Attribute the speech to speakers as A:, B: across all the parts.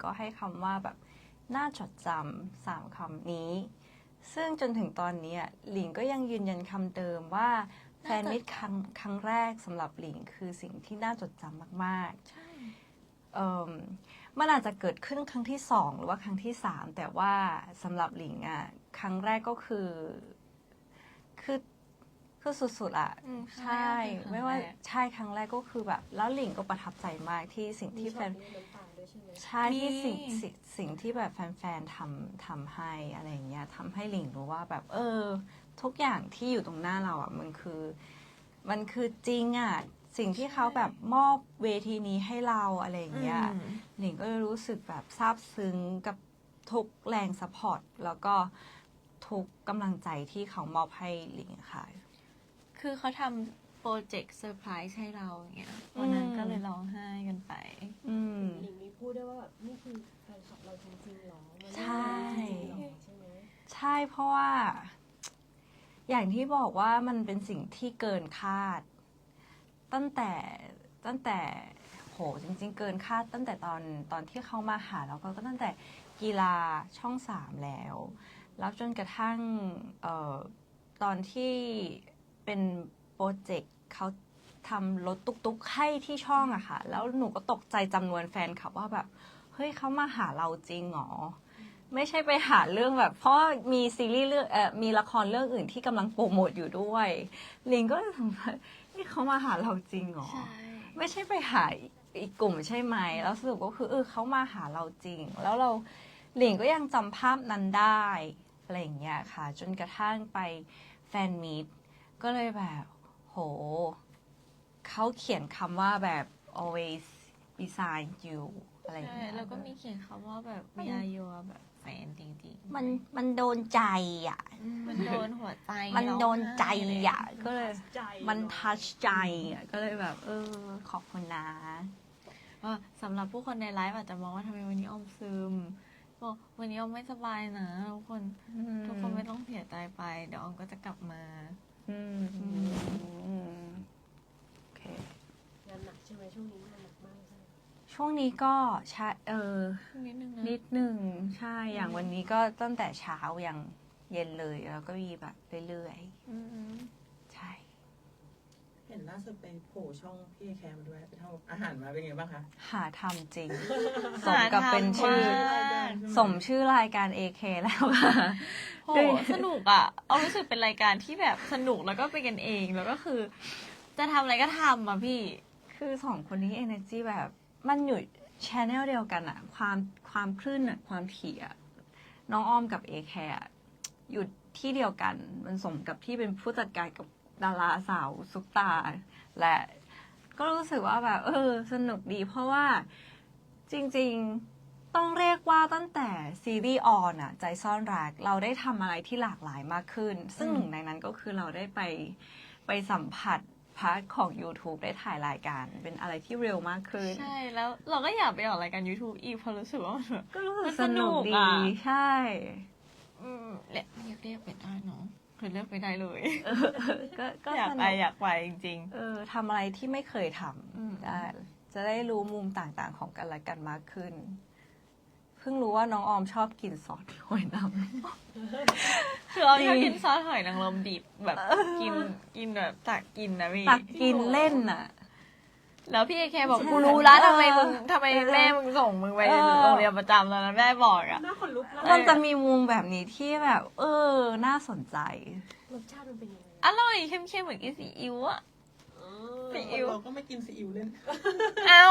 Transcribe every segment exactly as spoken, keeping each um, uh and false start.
A: ก็ให้คำว่าแบบน่าจดจำสามคำนี้ซึ่งจนถึงตอนนี้หลิงก็ยังยืนยันคำเดิมว่าแฟนมิตรครั้งครั้งแรกสำหรับหลิงคือสิ่งที่น่าจดจำมากๆใช่มันอาจจะเกิดขึ้นครั้งที่สองหรือว่าครั้งที่สามแต่ว่าสำหรับหลิงอ่ะครั้งแรกก็คือคือคือสุดๆอ่ะใช่ไม่ว่าใช่ครั้งแรกก็คือแบบแล้วหลิงก็ประทับใจมากที่สิ่งที่แฟนใช่ที่สิ่งสิ่งที่แบบแฟนๆทำทำให้อะไรอย่างเงี้ยทำให้หลิงรู้ว่าแบบเออทุกอย่างที่อยู่ตรงหน้าเราอ่ะมันคือมันคือจริงอ่ะสิ่งที่เขาแบบมอบเวทีนี้ให้เราอะไรอย่างเงี้ยหลิงก็รู้สึกแบบซาบซึ้งกับทุกแรงซัพพอร์ตแล้วก็ทุกกำลังใจที่เขามอบให้หลิงค่ะ
B: คือเขาทำโปรเจกต์เซอร์ไพรส์ให้เราอย่างเงี้ยวันนั้นก็เลยร้องไห้กันไป
C: หลิงมีพูดได้ว่าแบบนี่คือแฟนคลับเราจริงๆหรอ
A: ใช่
C: ใช่ไหม
A: ใช่เพราะว่าอย่างที่บอกว่ามันเป็นสิ่งที่เกินคาดตั้งแต่ตั้งแต่โหจริงๆเกินคาดตั้งแต่ตอนตอนที่เขามาหาแล้วก็ตั้งแต่กีฬาช่องสามแล้วแล้วจนกระทั่งเอ่อตอนที่เป็นโปรเจกต์เขาทำรถตุ๊กๆให้ที่ช่องอะค่ะแล้วหนูก็ตกใจจำนวนแฟนคลับว่าแบบเฮ้ยเขามาหาเราจริงหรอไม่ใช่ไปหาเรื่องแบบเพราะมีซีรีส์เรื่องเอ่อมีละครเรื่องอื่นที่กำลังโปรโมทอยู่ด้วยลิงก็เลยถามว่านี่เขามาหาเราจริงหรอไม่ใช่ไปหาอีกกลุ่มใช่ไหมแล้วสรุปก็คือเออเขามาหาเราจริงแล้วเราหลิงก็ยังจำภาพนั้นได้อะไรอย่างเงี้ยค่ะจนกระทั่งไปแฟนมีตก็เลยแบบโหเขาเขียนคำว่าแบบ always beside you อะไรอย่างเงี้ย
B: แล้วก็มีเขียนคำว่าแบบ we are your แบบแฟนจริงๆ
A: มันมันโดนใจอ่ะ
B: มันโดนหัวใจ
A: มันโดนใจอ่ะก็เลยมันทัชใจอ่ะก็เลยแบบเออขอบคุณนะ
B: ว่าสำหรับผู้คนในไลฟ์อาจจะมองว่าทำไมวันนี้ออมซึมบอกวันนี้ออมไม่สบายนะทุกคนทุกคนไม่ต้องเสียใจไปเดี๋ยวออมก็จะกลับมา
A: อืมโอเค
C: งานหนักใช่ไหมช่วงนี้งานหนักมากใช่
A: ช่วงนี้ก็ใช่เออ
B: นิดนึงนะ
A: นิดนึงใช่อย่างวันนี้ก็ตั้งแต่เช้ายังเย็นเลยแล้วก็มีแบบเรื่อยๆใช่
D: เห็นล่าสุดไปโผล่ช่องพี่แคมด้วยไปทำอาหารมาเป็นไงบ้างคะ
A: หาทำจริงสมกับเป็นชื่อสมชื่อรายการ เอ เค แล้วค่ะ
B: โหสนุกอ่ะเอารู้สึกเป็นรายการที่แบบสนุกแล้วก็เป็นกันเองแล้วก็คือจะทำอะไรก็ทำอ่ะพี่
A: คือสองคนนี้ energy แบบมันอยู่ channel เดียวกันอะความความคลื่นอะความถี่อะน้องอ้อมกับ เอ เค อะอยู่ที่เดียวกันมันสมกับที่เป็นผู้จัดการกับดาราสาวซุปตาและก็รู้สึกว่าแบบเออสนุกดีเพราะว่าจริงๆต้องเรียกว่าตั้งแต่ซีรีส์ออนอะใจซ่อนรักเราได้ทำอะไรที่หลากหลายมากขึ้นซึ่งหนึ่งในนั้นก็คือเราได้ไปไปสัมผัสพาร์ทของ YouTube ได้ถ่ายรายการเป็นอะไรที่เร็วมากขึ้น
B: ใช่แล้วเราก็อยากไปออกรายการ YouTube อีกเพราะรู้สึกว่ามัน
A: ก็รู้สึกสนุกดีใช่
B: อืมเรียกเรียกเรียกไปได้เนาะคือเลือกไปได้เลย
A: ก็ก็
B: อยากไปอยากไปจริง
A: ๆเออทำอะไรที่ไม่เคยทำได้จะได้รู้มุมต่างๆของกันและกันมากขึ้นเพิ่งรู้ว่าน้องออมชอบกินซอสหอยนางรม
B: คือเราชอบกินซอสหอยนางรมดิบแบบกินกินแบบตักกินนะพี่
A: ตักกินเล่นน่ะ
B: แล้วพี่เอเคบอกกูรู้แล้วทำไมมึงทำไมแม่มึงส่งมึงไปโรงเรียนประจำแล้วนะแม่บอกอ่ะ
C: น่าขนลุก
A: มันจะมีมุมแบบนี้ที่แบบเออน่าสนใจ
C: รสชาติมันเป็นยังไง
B: อร่อยเข้มๆเหมือนกินซีอิ๊วอ่ะ
D: ซีอิ๊วเราก็ไม่กินซีอิ๊วเล่น
B: เอา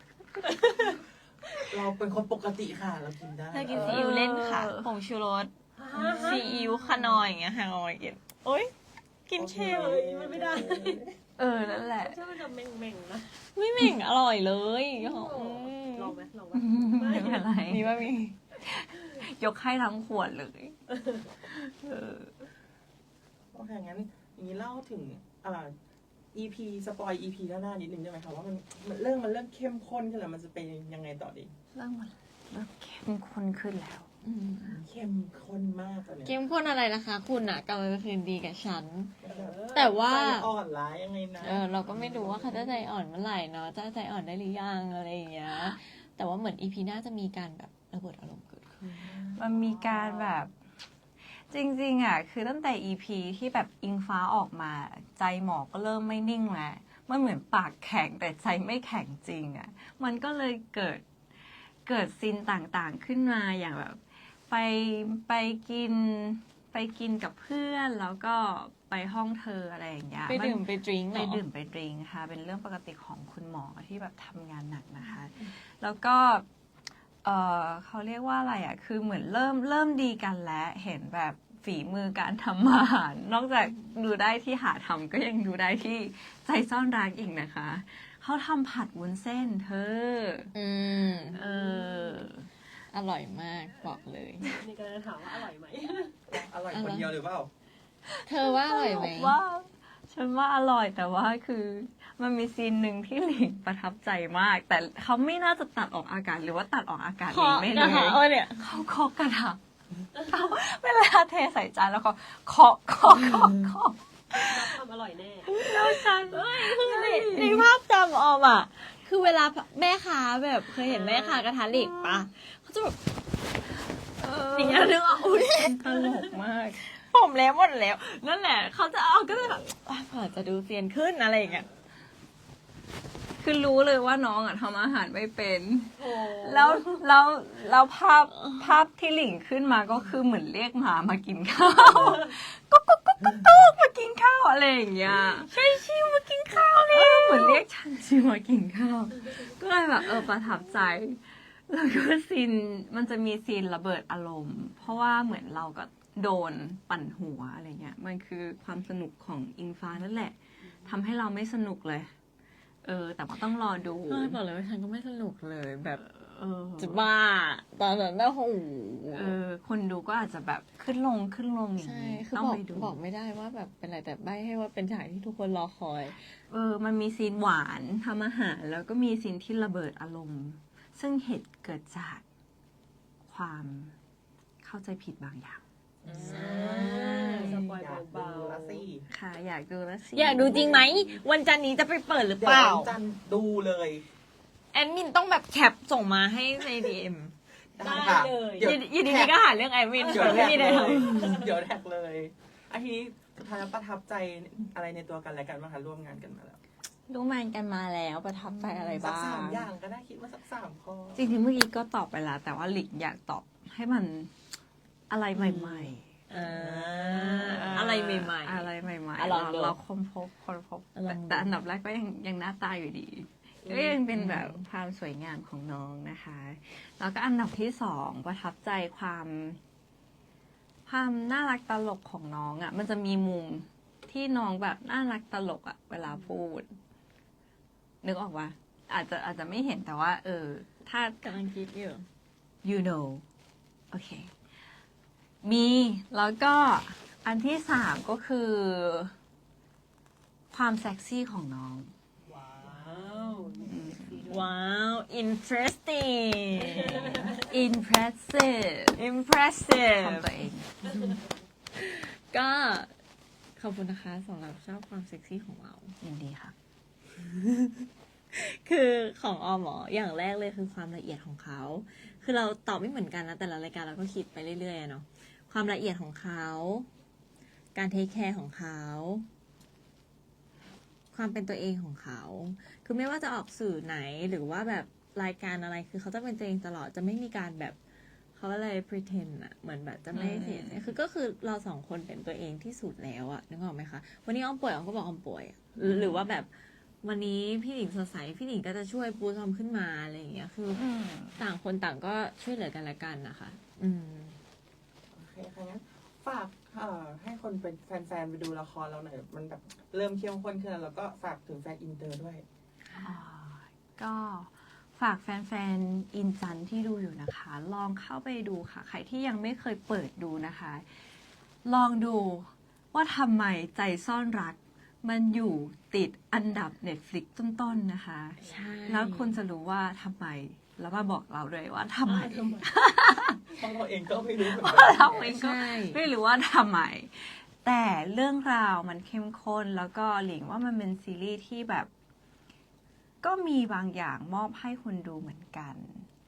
D: เราเป็นคนปกติค่ะเรากินได้
B: เรากินซีอิ๊วเล่นค่ะผงชูรสซีอิ๊วขนอยอย่างเงี้ยฮางอยกินโอ๊ยกินเค็ม
C: มันไม่ได้
A: เออนั่นแหละ
C: ใช่มันจะเม่งๆนะ
B: ไม่เม่งอร่อยเลย
C: ลองไหมลองไหม
A: ไม่เป็นไร
B: มีว่ามี
A: ยกให้ทั้งขวดเลย
D: เออโอเคงั้นอย่างนี้เล่าถึงอ่า อี พี สปอย อี พี หน้านิดนึงได้ไหมคะว่ามันเรื่องมันเริ่มเข้มข้นขึ้นแล้วมันจะเป็นยังไงต่อดี
A: เรื่องมันเริ่มเข้มข้นขึ้นแล้ว
D: เข้มข้นมากตอนนี้
B: เข้มข้นอะไรนะคะคุณอ่ะกำลังจะคืนดีกับฉันแต่ว่า
D: อ่อนร้ายยังไงนะ
B: เออเราก็ไม่รู้ว่าเขาจะใจอ่อนเมื่อไหร่เนาะจะใจอ่อนได้หรือยังอะไรอย่างเงี้ยแแต่ว่าเหมือนอีพีหน้าจะมีการแบบระเบิดอารมณ์เกิดขึ้น
A: มันมีการแบบจริงๆอ่ะคือตั้งแต่ อี พี ที่แบบอิงฟ้าออกมาใจหมอก็เริ่มไม่นิ่งแล้วมันเหมือนปากแข็งแต่ใจไม่แข็งจริงอ่ะมันก็เลยเกิดเกิดซีนต่างๆขึ้นมาอย่างแบบไปไปกินไปกินกับเพื่อนแล้วก็ไปห้องเธออะไรอย่างเงี้ย
B: ไปดื่มไปดริงก์เห
A: ไป
B: รอ
A: ดื่มไปดริงค่ะ เป็นเรื่องปกติของคุณหมอที่แบบทำงานหนักนะคะ แล้วก็ เออเขาเรียกว่าอะไรอ่ะ คือเหมือนเริ่มเริ่มดีกันแล้ว เห็นแบบฝีมือการทำอาหาร นอกจากดูได้ที่หาทำก็ยังดูได้ที่ใจซ่อนรักอีกนะคะ เขาทำผัดวุ้นเส้นเธอ
B: อืม
A: เออ
B: อร่อยมากบอกเลย
C: นี่ก็เลยถามว่าอร่อยไหม
D: อร่อยคนเดียวหรือเปล่า
B: เธอว่าอร่อยไหม
A: ว่าฉันว่าอร่อยแต่ว่าคือมันมีซีนหนึ่งที่หลิงประทับใจมาก แต่เขาไม่น่าจะตัดออกอากาศหรือว่าตัดออกอากาศเองไม่
B: ก
A: รู้
B: ระทะเออเนี่ย
A: เขาเคาะกระทะเขาเวลาเทใส่จานแล้วก็เคาะเคาะเคาะเคาะ
C: รับความอร่อยแน่
A: แล้วฉัน
B: ในภาพจำออมอ่ะ คือเวลาแม่ค้าแบบเคยเห็นแม่ค้ากระทะเหล็กปะเขาจะแบบ
A: เออ
B: อย่างเงี้ยนึกว่าอุ้ย
A: ตลกมาก
B: ผมแล้วหมดแล้ว นั่นแหละ เขาจะเอาก็จะแบบอ่ะเผื่อจะดูเซียนขึ้นอะไรอย่างเงี้ย
A: คือรู้เลยว่าน้องอ่ะทำอาหารไม่เป็น
C: โอ้
A: แล้วแล้วแล้วภาพภาพที่หลิงขึ้นมาก็คือเหมือนเรียกหมามากินข้าวก็ก็ก็ก็ก็มากินข้าวอะไรอย่างเงี้ยใช่ชิวมากินข้าวเนี่ยเหมือนเรียกฉันชิวมากินข้าว ก็เลยแบบเออประทับใจ แล้วก็ซีนมันจะมีซีนระเบิดอารมณ์ เพราะว่าเหมือนเราก็โดนปั่นหัวอะไรเงี้ยมันคือความสนุกของอิงฟ้านั่นแหละทำให้เราไม่สนุกเลย เออ แต่ว่าต้องรอดู
B: ก็บอกเลยว่าฉันก็ไม่สนุกเลยแบบ
A: เออ
B: จะบ้า ตอนนั้นนะโอ้โห
A: เออ คนดูก็อาจจะแบบขึ้นลงขึ้นลงอย่าง
B: ใช่
A: นี้
B: คือ
A: ต้อง
B: บอก
A: ไปดู
B: บอกไม่ได้ว่าแบบเป็นอะไรแต่ใบให้ว่าเป็นฉากที่ทุกคนรอคอย
A: เออ มันมีซีนหวานทำอาหาร แล้วก็มีซีนที่ระเบิดอารมณ์ ซึ่งเหตุเกิดจากความเข้าใจผิดบางอย่าง
C: สปอย
D: อยาก
C: เบา
D: ดูละสิ
A: ค่ะ อยากดูแล้วสิ
B: อยากดูจริงไหม วันจันทร์นี้จะไปเปิดหรือ
D: เดี๋ย
B: เป
D: ว
B: ล่า
D: วันจันทร์ดูเลย
B: แอดมินต้องแบบแคปส่งมาให้ในดีเอ็ม
C: ๆได้
D: ค่ะ
C: เลย
D: เดี๋ยว
B: ยินดีก็หาเรื่องแอดมิน
D: เดี๋ยว
B: ไม่
D: แท็ก
B: มี
D: เล
B: เลย
D: ย เดี๋ยวแท็กเลยอาทีนี้สุดท้ายแล้วประทับใจอะไรในตัวกันและกันบ้างคะร่วมงานกันมาแล้ว
A: รู้มันกันมาแล้วประทับใจอะไร
D: สัก
A: บ้า
D: สาม
A: ง
D: อย่างก็ได้คิดว่าสักสามข้อ
A: จริงๆเมื่อกี้ก็ตอบไปแล้ว แต่ว่าหลิงอยากตอบให้มันอะไรใหม่ๆ
B: อ่าอะไรใหม่ๆ
A: อะไรใหม่
B: อ่ะ
A: ๆ
B: ลอ
A: เรา
B: งดู
A: เราค้นพบค้นพบ
B: อ่ะลองดู
A: แต่อันดับแรกก็ยังยังหน้าตาอยู่ดีก็ยังเป็นแบบความสวยงามของน้องนะคะ แล้วก็อันดับที่สองประทับใจความ ความน่ารักตลกของน้องอะ่ะ มันจะมีมุมที่น้องแบบน่ารักตลกอะ่ะ เวลาพูด นึกออกว่าอาจจะอาจจะไม่เห็นแต่ว่า เออ ถ้า
B: กำลังคิดอยู่
A: you know โอเค มีแล้วก็อันที่สามก็คือ ความเซ็กซี่ของน้อง
C: ว้าว
B: ว้าว interesting
A: impressive ทำ
B: impressive
A: ตัวเอง
B: ก็ขอบคุณนะคะสำหรับชอบความเซ็กซี่ของเรา
A: ยินดีค่ะ
B: คือของออมหมออย่างแรกเลยคือความละเอียดของเขา คือเราตอบไม่เหมือนกันนะแต่ละรายการเราก็คิดไปเรื่อยๆอะเนาะ ความละเอียดของเขา การเทคแคร์ของเขา ความเป็นตัวเองของเขา คือไม่ว่าจะออกสื่อไหนหรือว่าแบบรายการอะไร คือเขาจะเป็นตัวเองตลอด จะไม่มีการแบบเขาอะไร pretend อะเหมือนแบบจะไม่เสียใจคือก็คือเราสองคนเป็นตัวเองที่สุดแล้วอะนึกออกไหมคะ วันนี้ออมป่วยออมก็บอกออมป่วยอะหรือหรือว่าแบบวันนี้พี่หนิงสดใสพี่หนิงก็จะช่วยปูซอมขึ้นมาอะไรอย่างเงี้ย คืออต่างคนต่างก็ช่วยเหลือกันและกันนะคะ อืม
D: โอเคค่ะงั้นฝากเอ่อให้คนเป็นแฟนๆไปดูละครเราหน่อยมันแบบเริ่มเข้มข้นขึ้นแล้วแล้วก็ฝากถึงแฟนอินเตอร์ด้วย
A: อ่าก็ฝากแฟนๆ อินจันที่ดูอยู่นะคะ ลองเข้าไปดูค่ะ ใครที่ยังไม่เคยเปิดดูนะคะ ลองดูว่าทำไมใจซ่อนรัก มันอยู่ติดอันดับ Netflix ต้นๆนะคะ
B: ใช่
A: แล้วคุณจะรู้ว่าทำไม แล้วมาบอกเราด้วยว่าทำไม
D: เพราะเราเองก็ไม่รู้เหมือน
A: เพ
D: กั
A: ราะ
D: น
A: เราเองก็
B: ใช่
A: ไม่รู้ว่าทำไม แต่เรื่องราวมันเข้มข้น แล้วก็หลิงว่ามันเป็นซีรีส์ที่แบบ ก็มีบางอย่างมอบให้คนดูเหมือนกัน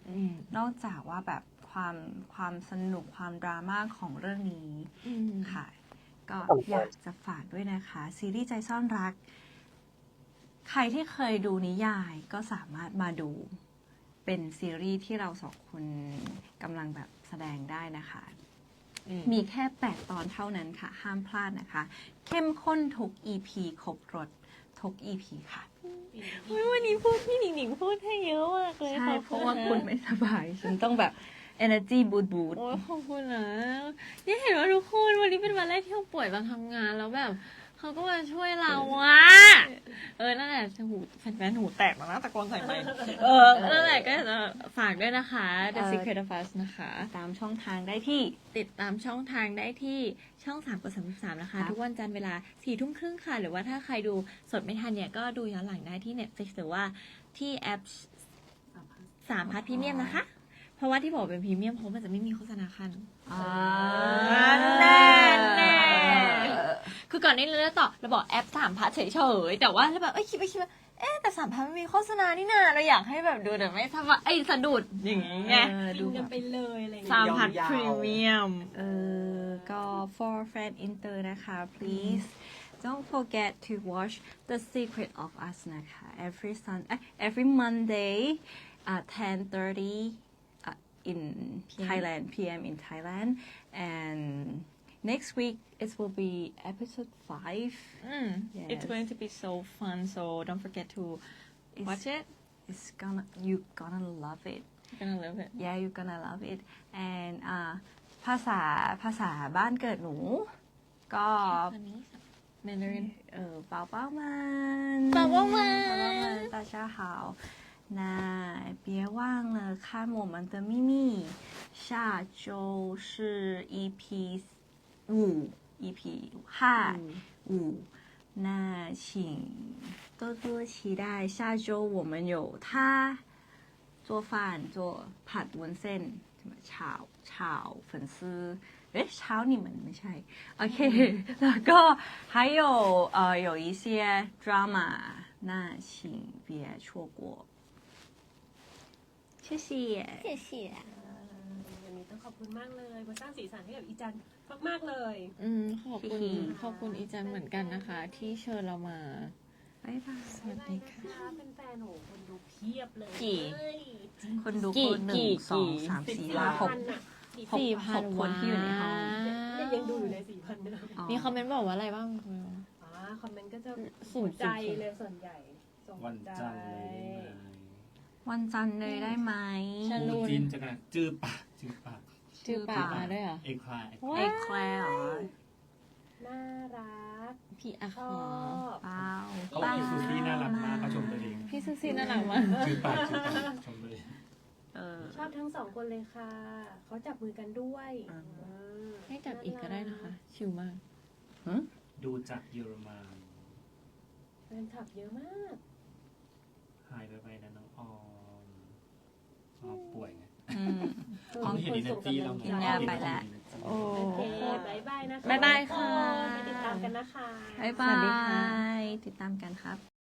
B: อืม
A: นอกจากว่าแบบความความสนุกความดราม่าของเรื่องนี้
B: อืม
A: ค่ะ ก็อยากจะฝากด้วยนะคะ ซีรีส์ใจซ่อนรัก ใครที่เคยดูนิยายก็สามารถมาดูเป็นซีรีส์ที่เราสองคนกำลังแบบแสดงได้นะคะ
B: อืม
A: มีแค่แปดตอนเท่านั้นค่ะ ห้ามพลาดนะคะ เข้มข้นทุก อี พี ครบรสทุก อี พี ค่ะ
B: อุ๊ยวันนี้พูดพี่หนิงหนิงพูดให้เยอะมากเลย
A: ใช่
B: ขอบ
A: เพราะว่าคุณไม่สบาย ฉันต้องแบบ energy boost boost
B: โอ้ยขอบคุณนะนี่เห็นว่าทุกคนวันนี้เป็นวันแรกที่เราป่วยตอนทำงานแล้วแบบเขาก็มาช่วยเราอะเออนั่นแหละหูแฟนๆหูแตกแล้วนะตะโกนใส่ไมค์เออนั่นแหละก็จะฝากด้วยนะคะ The
A: เออ
B: Secret of Us นะคะ
A: ตามช่องทางได้ที่
B: ติดตามช่องทางได้ที่ช่องสามกดสามสิบสามนะคะ
A: ครับ
B: ทุกวันจันทร์เวลาสี่ทุ่มครึ่งค่ะ หรือว่าถ้าใครดูสดไม่ทันเนี่ย ก็ดูย้อนหลังได้ที่ Netflix หรือว่าที่แอปสามพัทพรีเมียมนะคะ เพราะว่าที่บอกเป็นพรีเมียมเพราะมันจะไม่มีโฆษณาคัน
A: อ่า
B: แน่แน่ คือก่อนหนี้เราจะต่อเราบอกแอปสามพัทเฉยๆแต่ว่าเราแบบเอ้ยคิดไปคิดว่าเอ๊ะแต่สามพัทมันมีโฆษณานี่นาเราอยากให้แบบดูแต่ไม่สบายไอ้ยสะดุดอย่างงี้ไง
A: เออ
C: ดู
A: ดูแบ
C: กัน
A: บ
C: ไปเลยอะไรอย่าง
B: สา
C: เงี้ย
B: มพัท
D: ยาวๆ
B: พรีเมียม
A: เออก็ for fan inter นะคะ please don't forget to watch The Secret of Us นะคะ every sun เอ้ย every Monday at ten thirty uh, in Thailand พี เอ็ม in Thailand and next week it will be episode five
B: Mm,
A: Yes.
B: It's going to be so fun, so don't forget to
A: It's-
B: watch it.
A: it's gonna you gonna love it
B: You're gonna love it.
A: yeah you're gonna love it and อ่าภาษาภาษาบ้านเกิดหนู ก็
B: Mandarin.
A: เออเปล่าเปล่ามัน
B: เปล่าเปล่ามัน
A: เปล่าเปล่ามัน大家好那别忘了看我们的秘密下周是 อี พี 五 อี พี ห้า五那请多多期待下周我们有他做饭做ผัดวุ้นเส้น什么炒炒粉丝เอ๊ะเช้า你们ไม่ใช่โอเคแล้วก็还有呃有一些 drama 那请别错过谢谢
B: 谢谢。
C: วันนี้ต้องขอบคุณมากเลยมาสร้างสีสันให้กับอีจันมากๆเลย
B: อืมขอบคุณ
A: พี่
B: ขอบคุณอีจันเหมือนกันนะคะ ที่เชิญเรามา
A: บ๊ายบาย
B: สวัสดีค่ะ
C: เป็นแฟนๆโหคนดูเพียบเลย
B: กี่
C: เอ้ย
A: คนดู
B: กี่
A: คนหนึ่
B: กี่
A: งสอง
B: กี่
A: สามสี่
C: สี่
A: ห้าห
C: พั
A: ก
C: นอ่ะ
A: หก
B: สี่พัน
A: หกคนที่อยู่ในห้อง
C: เนี่ยยังดูอยู่ในสี่พันเลย
B: มีคอมเมนต์บอกว่าอะไรบ้างคุณ
C: อ๋อคอมเมนต์ก็จะ
B: สู
C: หั
B: ง
C: ว
B: สุด
C: ใจเลยส่วนใหญ่ส่ง
E: วัน
C: ใจ
E: จันทร์เลยได้ไหม
A: วันจันทร์เลยได้ไหม
B: ฉันรู้
E: จินจะกันจื้อปากจื้อปาก
B: ชื่อปากมาด้วยเหรอ
E: เอกคลาย
B: ว้า
A: เอกแคลร์เหรอ
C: น่ารัก
B: พี่อา
C: ช
B: ค
C: อ
B: อบ
A: เปล่า
E: เขาพี่ซูซี่น่ารักมากเขาชมตัวเอง
B: พี่ซูซี่น่ารักมาก
E: จื้อปากจื้อปากชมตัวเอง
A: เออ
C: ชอบทั้งสองคนเลยค่ะ เขาจับมือกันด้วย
A: อ่า
C: อืม
B: ให้จับอีกก็ได้นะคะ ชิลมาก
E: ดูจากเยอรมัน
C: แฟนคลับเยอะมาก
E: หายไปไปนะน้องออมออมป่วยไง
A: อืม
E: เขาไม่เห็นอินเนอร์จี้เราไง
A: กินยาไปแล้ว
B: โอ้
C: โอเคบายบายนะคะ
B: บ๊ายบายค่ะ
C: ไปติดตามกันนะคะ
A: บ๊าย
B: ส
A: บา
B: วัสดีค่ะ
A: ย ติดตามกันครับ